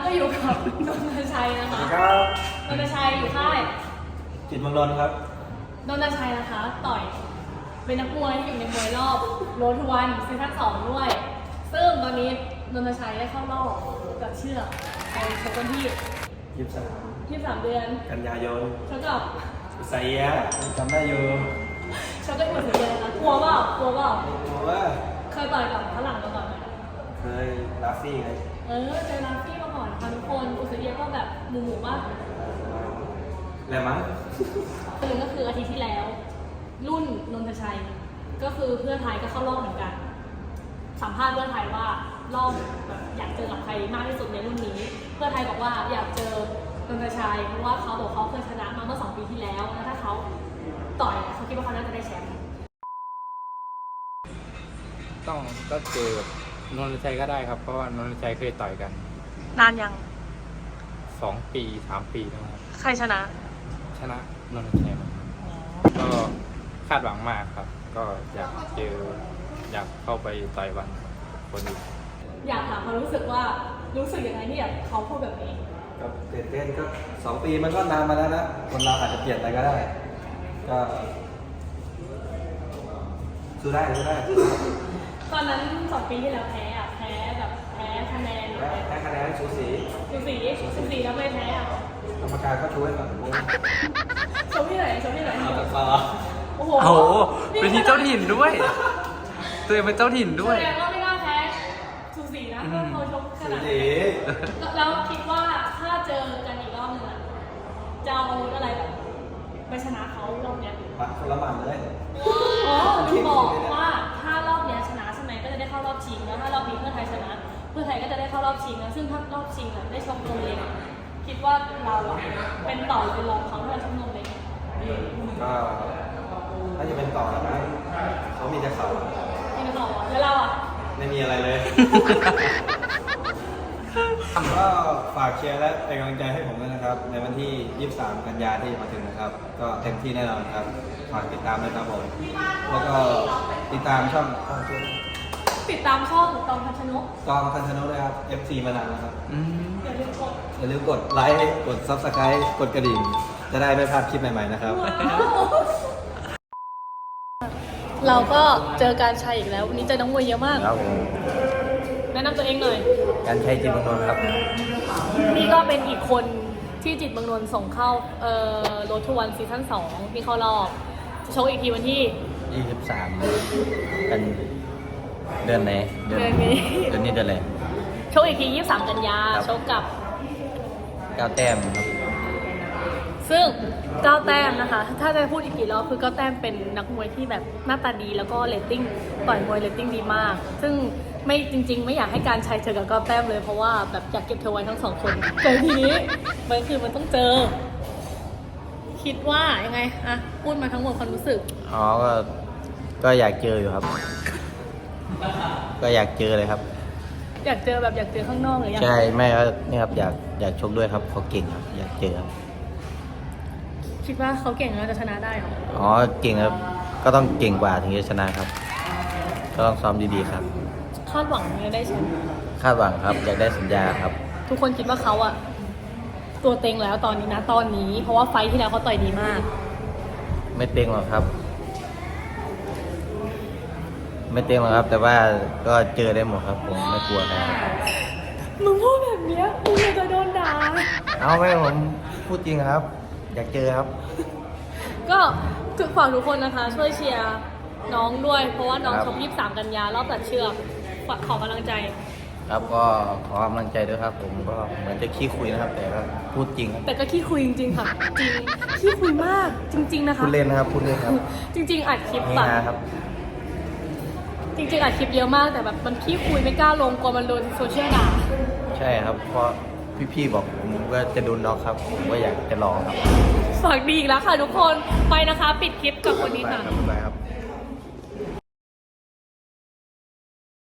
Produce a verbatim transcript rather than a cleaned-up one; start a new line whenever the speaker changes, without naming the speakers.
อยู่กับนนทชัยนะคะ
ครับ
นนทชัยอยู่ค่าย
จิตรเมืองนนท์ครับ
นนทชัยนะคะต่อยเป็นนักมวยที่อยู่ในมวยรอบโรดวันซีซั่นสองด้วยซึ่งตอนนี้นนทชัยได้เข้ารอบกับเชือกไปชกกันที่
ยี่สิบสาม
ยี่สิบสามเดือน
กันยายน
ชกกับ
ไซยะจำได้อยู่
ชกกับอุสเอียนะคะกลัวเปล่ากลัวเปล่าก
ลัวว่า
เคยต่อยกับฝรั่งมาก่อนไหม
เคยลาฟี่ไง
เออเจอลาฟี่มาก่อนค่ะทุกคนอุสเอียก็แบบหมู่หมู่ป่ะ
แหละมั้ง
คือก็คืออาทิตย์ที่แล้วรุ่นนนทชัยก็คือเพื่อไทยก็เข้ารอบเหมือนกันสัมภาษณ์เพื่อไทยว่ารอบแบบอยากเจอกับใครมากที่สุดในรุ่นนี้เพื่อไทยบอกว่าอยากเจอนนทชัยเพราะว่าเขาบอกเขาเคยชนะมาเมื่อสองปีที่แล้วแล้วถ้าเขาต่อยเขาคิดว่าเขาน่าจะได้แชมป์
ต้องก็เจอกับนนทชัยก็ได้ครับเพราะว่านนทชัยเคยต่อยกัน
นานยัง
สองปีสามปีแล้วครับ
ใครชนะ
ชนะนนทชัยมาก็คาดหวังมากครับก็อยากเจออยากเข้าไปต่อยวันคนอื่น
อยากถามความรู้สึกว่ารู้สึกยังไงที่แบบเขาพูดแบบนี้
ก็เต้นเต้นก็สองปีมันก็นานมาแล้วนะคนเราอาจจะเปลี่ยนอะไรก็ได้ก็สู้ได้สู้ได้
ตอนนั้นสองปีที่แล้วแพ้อะแพ้แบบแพ้คะแนน
แพ้คะแนนสูสี
สูสีสูสีแล้วไม่แพ้อะ
กรรมการก็ช่วยแบบ
ชมที่ไหนชมที่ไหน
เอาแต่ซอ
โอ้โห
เป็นที่เจ้าถิ่นด้วยตัวเองเป็นเจ้าถิ่นด้วย
แสดงว่าไม่น่าแพ้สูสีนะเพราะเขาชกขนาดนี้แล้วคิดว่าถ้าเจอกันอีกรอบหนึ่งอะจะเอาอะไรแบบไปชนะเขารอบเนี้ย
ปัดคนละหมันเลย
อ๋อลืมบอกว่าถ้ารอบเนี้ยชนะใช่ไหมก็จะได้เข้ารอบชิงแล้วถ้ารอบนี้เพื่อไทยชนะเพื่อไทยก็จะได้เข้ารอบชิงนะซึ่งถ้ารอบชิงอะได้ชกนมเล็กคิดว่าเราอะเป็นต่อหรือเป็นรองเขาถ้าเราชกนมเล็ก
ก็น่าจะเป็นต่อแล้วนะเขามีแต่เขา
มีแต่เขาแล้วเราอะ
ไม่มีอะไรเลยก็ฝากเชียร์และเป็นกำลังใจให้ผมด้วยนะครับในวันที่ยี่สิบสามกันยาที่มาถึงนะครับก็เต็มที่แน่นอนครับฝากติดตามด้วยครับผมแล้วก็ติดตามช่อง
ติดตามช่องตองพัชนก
ตองพัชนกเลยครับ เอฟ ซี มานานแล้วครับ
อย่าลืมกด
อย่าลืมกดไลค์กด ซับสไครบ์ กดกระดิ่งจะได้ไม่พลาดคลิปใหม่ๆนะครับ
เราก็เจอการชัยอีกแล้ววันนี้เจอน้องมวยเยอะมาก
ครับผม
แนะนำตัวเองหน่อย
การชัยจิตรเมืองนนท์ครับ
นี่ก็เป็นอีกคนที่จิตรเมืองนนท์ส่งเข้าเอ่อโรดทูวันซีซั่นสองที่เข้ารอบจะชกอีกทีวันที่
ยี่สิบสามกันเดือนไหน
เดือนนี้
เดือนนี้เดือนอะไร
ชกอีกทียี่สิบสามกันยาชกกับ
เก้าแต้มครับ
ซึ่งเก้าแต้มนะคะถ้าจะพูดอีกกี่รอบคือเก้าแต้มเป็นนักมวยที่แบบหน้าตาดีแล้วก็เรตติ้งต่อยมวยเรตติ้งดีมากซึ่งไม่จริงๆไม่อยากให้การชัยเจอกับเก้าแต้มเลยเพราะว่าแบบอยากเก็บเธอไว้ทั้งสองคนแต่ทีนี้มันคือมันต้องเจอคิดว่ายังไงอะพูดมาทั้งหมดความรู้สึก
อ๋อก็ก็อยากเจออยู่ครับก็อยากเจอเลยครับ
อยากเจอแบบอยากเจอข้างนอกหรือยัง
ใช่ไม่ก็นี่ครับอยากอยากชกด้วยครับเขาเก่งครับอยากเจอครับ
คิดว่าเขาเก่งแล้วจะชนะได้หรอ
อ๋อเก่งครับก็ต้องเก่งกว่าถึงจะชนะครับก็ต้องซ้อมดีๆครับ
คาดหวังจะได้แชมป์
คาดหวังครับอยากได้สัญญาครับ
ทุกคนคิดว่าเขาอะตัวเต็งแล้วตอนนี้นะตอนนี้เพราะว่าไฟที่แล้วเขาต่อยดีมาก
ไม่เต็งหรอกครับไม่เต็งหรอกครับแต่ว่าก็เจอได้หมดครับผมไม่กลัวครับ
มึงพูดแบบนี้มึงจะโดนด่า
เอาไม่ผมพูดจริงครับอยากเจอครับ
ก็ถึงฝากทุกคนนะคะช่วยเชียร์น้องด้วยเพราะว่าน้องชกยี่สิบสามกันยารอบตัดเชือกขอกำลังใจ
ครับก็ขอกำลังใจด้วยครับผมก็เหมือนจะขี้คุยนะครับแต่ก็พูดจริง
แต่ก็ขี้คุยจริงๆค่ะจริงขี้คุยมากจริงๆนะคะ
พูดเล่นนะครับพูดเล่นครับ
จริงๆอัดคลิปแบบจริงๆอัดคลิปเยอะมากแต่แบบมันขี้คุยไม่กล้าลงกลัวมันโดนโซเชียลด่า
ใช่ครับเพราะพี่ๆบอกผมว่าจะโดนน็อกครับผมก็อยากจะลองครับ
ฝากดีอีกแล้วค่ะทุกคนไปนะคะปิดคลิปกับคนนี้ค่ะ